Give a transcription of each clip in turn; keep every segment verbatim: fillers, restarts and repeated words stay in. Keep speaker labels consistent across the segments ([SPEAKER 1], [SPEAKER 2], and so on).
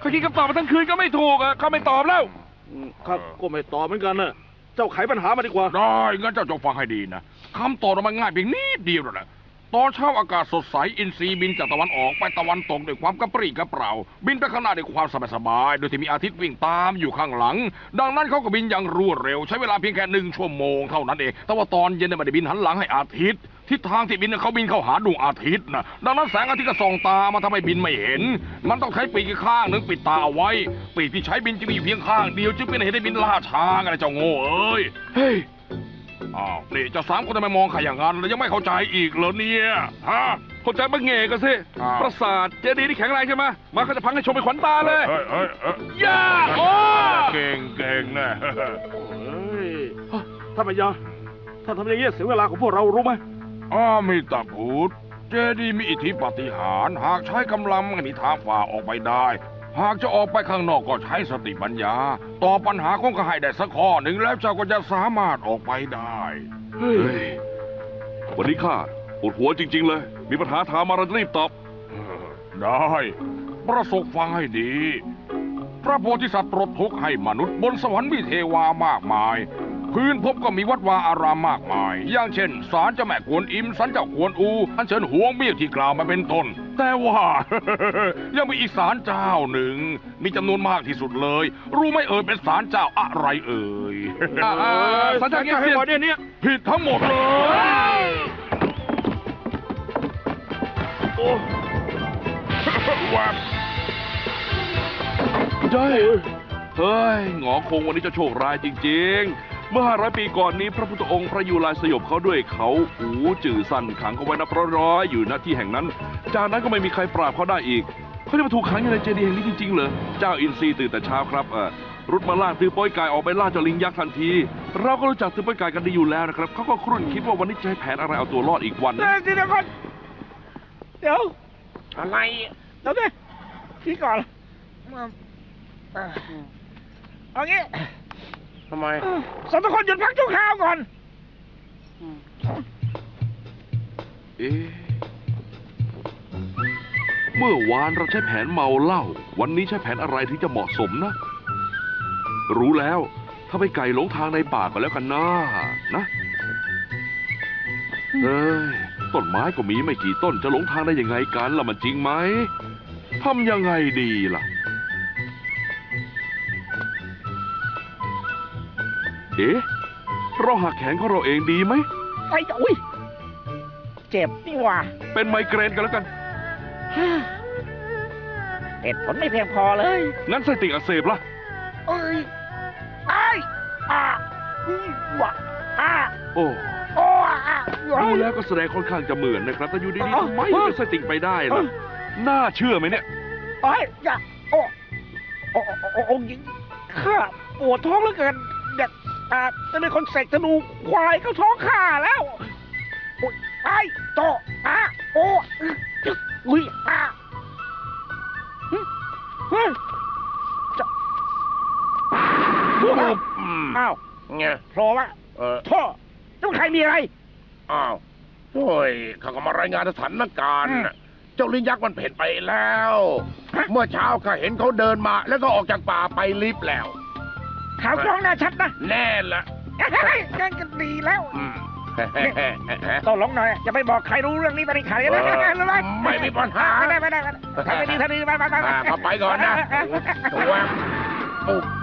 [SPEAKER 1] เขาคิดคำตอบมาทั้งคืนก็ไม่ถูกอ่ะเขาไม่ตอบแล้ว
[SPEAKER 2] ครับก็ไม่ตอบเหมือนกันนะเจ้าไขปัญหามาดีกว่า
[SPEAKER 1] ได้งั้นเจ้าจงฟังให้ดีนะคำตอบมันง่ายเพียงนิดเดียวแหละตอนเช้าอากาศสดใสอินทรีบินจากตะวันออกไปตะวันตกด้วยความกระปรี้กระเปร่าบินไปข้างหน้าด้วยความสบายๆโดยที่มีอาทิตย์วิ่งตามอยู่ข้างหลังดังนั้นเขาก็บินอย่างรวดเร็วใช้เวลาเพียงแค่หนึ่งชั่วโมงเท่านั้นเองแต่ว่าตอนเย็นเนี่ยไม่ได้บินหันหลังให้อาทิตย์ทิศทางที่บินเขาบินเข้าหาดวงอาทิตย์นะดังนั้นแสงอาทิตย์ก็ส่องตามาทำให้บินไม่เห็นมันต้องใช้ปีกข้างหนึ่งปิดตาเอาไว้ปีกที่ใช้บินจะมีเพียงข้างเดียวจึงเป็นเหตุให้บินล่าช้าไงเจ้าโง่เอ้ยเฮ้ยอ้าวนี่เจ้าสามคนทำไมมองข้าอย่างนั้นแล้วยังไม่เข้าใจอีกเหรอเนี่ยฮะเข้าใจบ้างเง่กันสิปราสาทเจดีย์ที่แข็งแรงใช่ไหมมาเขาจะพังให้ชมเป็นขวัญตาเลยเฮ้ยเฮ้ยย่าโอ้เก่งเก่งนะเ
[SPEAKER 2] ฮ้ยท่านพญาถ้าทำอย่างนี้เสียเวลาของพวกเรารู้ไหม
[SPEAKER 1] อ้ามิตาพุทธเจดีย์มีอิทธิปาฏิหาริย์หากใช้กำลังไม่มีทางฝ่าออกไปได้หากจะออกไปข้างนอกก็ใช้สติปัญญาตอบปัญหาของข้าให้ได้สักข้อหนึ่งแล้วเจ้าก็จะสามารถออกไปได้
[SPEAKER 3] เฮ้ยวันนี้ข้าปวดหัวจริงๆเลยมีปัญหาถามมาเราจะรีบตอบ
[SPEAKER 1] ได้ประสบฟังให้ดีพระโพธิสัตว์ตรัสทุกข์ให้มนุษย์บนสวรรค์มีเทวามากมายพื้นพบก็มีวัดวาอารามมากมายอย่างเช่นศาลเจ้าแม่กวนอิมศาลเจ้ากวนอูอันเชิญหวงเบี้ยที่กล่าวมาเป็นต้นแต่ว่า ยังมีอีกศาลเจ้าหนึ่งมีจำนวนมากที่สุดเลยรู้ไหมเอ่ยเป็นศาลเจ้าอะไรเอ่ย
[SPEAKER 2] ศาลเจ้าเงี้ยเสียเนี่ย
[SPEAKER 1] ผิดทั้งหมดเลยโอ้ว้า
[SPEAKER 3] ได้เฮ้ยหงอคงวันนี้จะโชคร้ายจริงๆเมื่อห้าร้อยปีก่อนนี้พระพุทธองค์พระยุลายสยบเขาด้วยเขาหูจื่อสั้นขังเขาไว้นับร้อยอยู่ณที่แห่งนั้นจากนั้นก็ไม่มีใครปราบเขาได้อีกเขาจะมาถูกขังอยู่ในเจดีย์แห่งนี้จริงๆเหรอเจ้าอินทรีตื่นแต่เช้าครับเออรุดมาล่าตือป้อยกายออกไปล่าเจ้าลิงยักษ์ทันทีเราก็รู้จักตือป้อยกายกันดีอยู่แล้วนะครับเขาก็ครุ่นคิดว่าวันนี้จะให้แผนอะไรเอาตัวรอดอีกวัน
[SPEAKER 2] เดี๋ยวก่อนเดี๋ยวอะไรเดี๋ยวดิพี่ก่อนเอางี้
[SPEAKER 3] ทำไม
[SPEAKER 2] สองคนหยุดพักชั่วคราวก่อน
[SPEAKER 3] เอ๊ะเมื่อวานเราใช้แผนเมาเหล้าวันนี้ใช้แผนอะไรที่จะเหมาะสมนะรู้แล้วถ้าไปไก่หลงทางในป่าก็แล้วกันนะนะเอ้ยต้นไม้ก็มีไม่กี่ต้นจะหลงทางได้ยังไงกันล่ะมันจริงไหมทำยังไงดีล่ะเอ๊ะเราหักแขนของเราเองดีไหม
[SPEAKER 2] ไปอุ้ยเจ็บนี่ว่า
[SPEAKER 3] เป็นไมเกรนกันแล้วกัน
[SPEAKER 2] เหตุผลไม่เพียงพอเลย
[SPEAKER 3] งั้นไส้ติ่งอักเสบล่ะ
[SPEAKER 2] เอ้ยไอ้อ่ะวะอ่ะ
[SPEAKER 3] โอ้
[SPEAKER 2] โอ้อ่ะ
[SPEAKER 3] ดูแล้วก็แสดงค่อนข้างจะเหมือนนะครับแต่อยู่ดีๆทำไมเป็นไส้ติ่งไปได้ล่ะน่าเชื่อไหมเนี่ย
[SPEAKER 2] ไอ้ยะโอ้โอ้โอ้องค์หญิงข้าปวดท้องเหลือเกินเด็กอ่าจะเป็นคนเสกธนูควายเข้าท้องข้าแล้วโอ้ยไอ้โตอ่ะโอ้อุ้ยอ่ะเฮ้ยจะอ้าวไงโผล่ละเออท่อเจ้าใครมีอะไร
[SPEAKER 4] อ้าวโอ้ยข้าก็มารายงานสถานการณ์เจ้าลิงยักษ์มันเพ่นไปแล้วเมื่อเช้าข้าเห็นเขาเดินมาแล้วก็ออกจากป่าไปลิฟต์แล้ว
[SPEAKER 2] ข่าวกล้องน่าชัดนะ
[SPEAKER 4] แน่ละ
[SPEAKER 2] งั้นก็ดีแล้วต้องหลงหน่อยอย่าไปบอกใครรู้เรื่องนี้ไปในข่าวนะรู้ไหม
[SPEAKER 4] ไม่มีปัญหา
[SPEAKER 2] ไม่ได้ไม่ได้ทำไปดีทำดีไปไปไป
[SPEAKER 4] ไปไปก่อนนะตัวปุ๊บ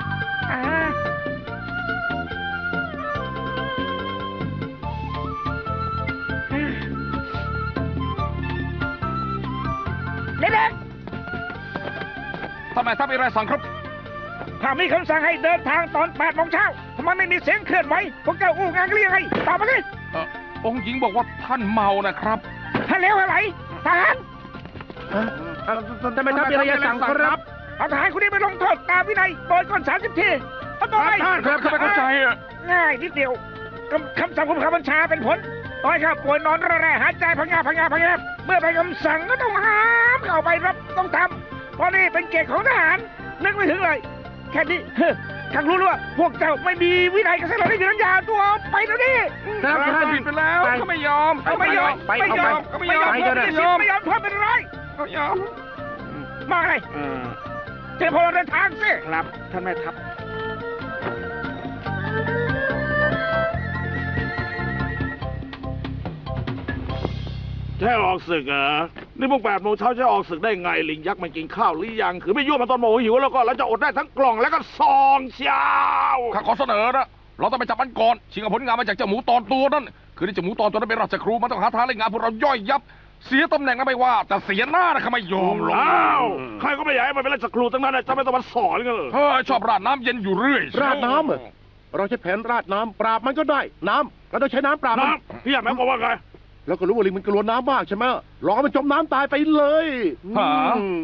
[SPEAKER 2] เด็ก
[SPEAKER 1] ทำไมถ้ามีอะไรสั่งครับ
[SPEAKER 2] ถ้ามีคำสั่งให้เดินทางตอนแปดโมงเช้าทำไมไม่มีเสียงเคลื่อนไหวพวกเจ้าอู้งานเรียกไงตอบมาสิ
[SPEAKER 1] องค์หญิงบอกว่าท่านเมานะครับ
[SPEAKER 2] ท่านเลวอะไรทหาร
[SPEAKER 4] ทำไมท่านมีอะไรสั่งครับ
[SPEAKER 2] เอาทหารคนนี้ไปลงโทษตามวินัยโดยก่อนสามสิบทีเอาต่อไป
[SPEAKER 1] ท่านครับข้าไม่เข้าใจอ่ะ
[SPEAKER 2] ง่ายนิดเดียวคำสั่งของข้าบัญชาเป็นผลต่อยข้าป่วยนอนระแระหายใจพังงาพังงาพังงาเมื่อไปคำสั่งก็ต้องห้ามเข้าไปรับต้องทำเพราะนี่เป็นเกียรติของทหารนึกไม่ถึงเลยแค่นี้ข้ารู้ว่าพวกเจ้าไม่มีวินัยกับเสนาที่มีน้ำยาตัวไปแล้วนี่
[SPEAKER 1] ท่านผิดไปแล้วเขาไม่ยอม
[SPEAKER 2] เขาไม่ยอมไม่ยอมไม่ยอมไม่ยอมไม่ยอมทำเป็นไรเขายอมมาอะไรเจอพวกเราเดินทางสิ
[SPEAKER 5] ครับท่านแม่ทัพ
[SPEAKER 6] จะให้ออกศึกเหรอนี่พวกแปดโมงเช้าจะออกศึกได้ไงลิงยักษ์มันกินข้าวหรือยังคือไม่ยั่วมันตอนโมโหหิวแล้วก็เราจะอดได้ทั้งกล่องแล้วก็ซองเช้า
[SPEAKER 1] ข้าขอเสนอนะ เราต้องไปจับมันก่อนชิงเอาผลงานมาจากเจ้าหมูตอนตัวนั่น คือที่เจ้าหมูตอนตัวนั้นเป็นราชครูมันต้องหาทางเล่นงานพวกเราย่อยยับ เสียตำแหน่งนะไม่ว่า แต่เสียหน้านะข้าไม่ยอมหรอก
[SPEAKER 6] อ้าวใครก็ไม่อยากให้มันเป็นราชครูทั้งนั้นนะจะไม่ต้องมาสอนกันเหรอ
[SPEAKER 1] เฮ้ยชอบราดน้ำเย็นอยู่เรื่อย
[SPEAKER 4] ราดน้ำเหรอ เราใช้แผนราดน้ำปราบมันก็ได้ น้ำเราต้องใช้น้ำปราบมัน
[SPEAKER 6] น้ำพี่อยากแม่บอกว่าไง
[SPEAKER 4] แล้วก็รู้ว่าลิงมันกลัวน้ำมากใช่ไหมลองให้มันจมน้ำตายไปเลย
[SPEAKER 1] หา
[SPEAKER 4] อืม